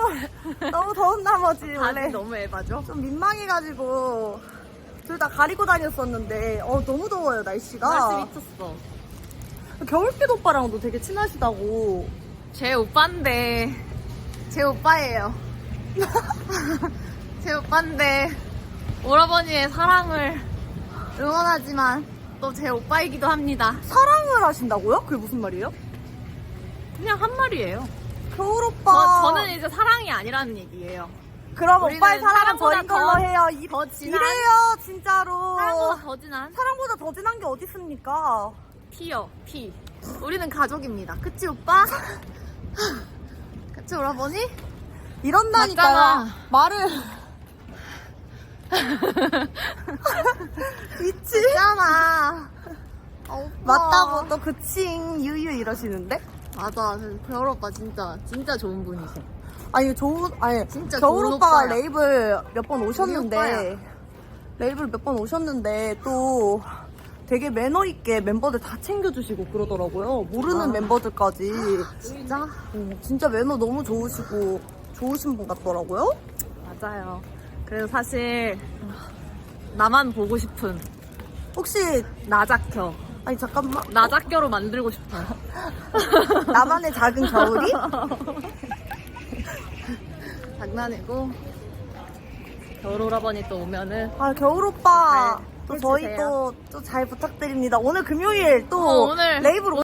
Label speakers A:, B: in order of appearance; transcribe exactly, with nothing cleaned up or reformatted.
A: 너무 더운 나머지 원래
B: 다들 너무 에바죠?
A: 좀 민망해가지고 둘 다 가리고 다녔었는데 어 너무 더워요 날씨가.
B: 날씨 미쳤어.
A: 겨울빛 오빠랑도 되게 친하시다고.
B: 제 오빠인데 제 오빠예요. 제 오빠인데 오라버니의 사랑을 응원하지만 또 제 오빠이기도 합니다.
A: 사랑을 하신다고요? 그게 무슨 말이에요?
B: 그냥 한 말이에요.
A: 겨울 오빠.
B: 저, 저는 이제 사랑이 아니라는 얘기예요.
A: 그럼
B: 우리는
A: 오빠의 사랑은
B: 사랑보다
A: 저인 걸로
B: 더-
A: 해요. 이,
B: 더 진한-
A: 이래요 진짜로.
B: 사랑보다 더 진한
A: 사랑보다 더 진한 게 어디 있습니까?
B: 피요, 피. 우리는 가족입니다. 그치 오빠? 그치 오라버니?
A: 이런다니까
B: 맞잖아.
A: 말을 미치?
B: 있잖아. 아, 오빠.
A: 맞다고 또 그칭 유유 이러시는데?
B: 맞아. 겨울 오빠 진짜 진짜 좋은 분이세요.
A: 아니 좋은 아니
B: 진짜
A: 겨울
B: 좋은
A: 오빠가
B: 오빠야.
A: 레이블 몇 번
B: 우리
A: 오셨는데
B: 오빠야.
A: 레이블 몇 번 오셨는데 또 되게 매너 있게 멤버들 다 챙겨주시고 그러더라고요. 모르는
B: 아.
A: 멤버들까지.
B: 진짜?
A: 어, 진짜 매너 너무 좋으시고 좋으신 분 같더라고요.
B: 맞아요. 그래서 사실 나만 보고 싶은
A: 혹시
B: 나작겨.
A: 아니 잠깐만
B: 나작겨로 만들고 싶어요.
A: 나만의 작은 겨울이?
B: 장난이고 겨울 오라버니 또 오면은
A: 아 겨울 오빠
B: 잘
A: 또 저희
B: 해주세요.
A: 또 또 잘 부탁드립니다. 오늘 금요일 또
B: 어, 오늘
A: 레이블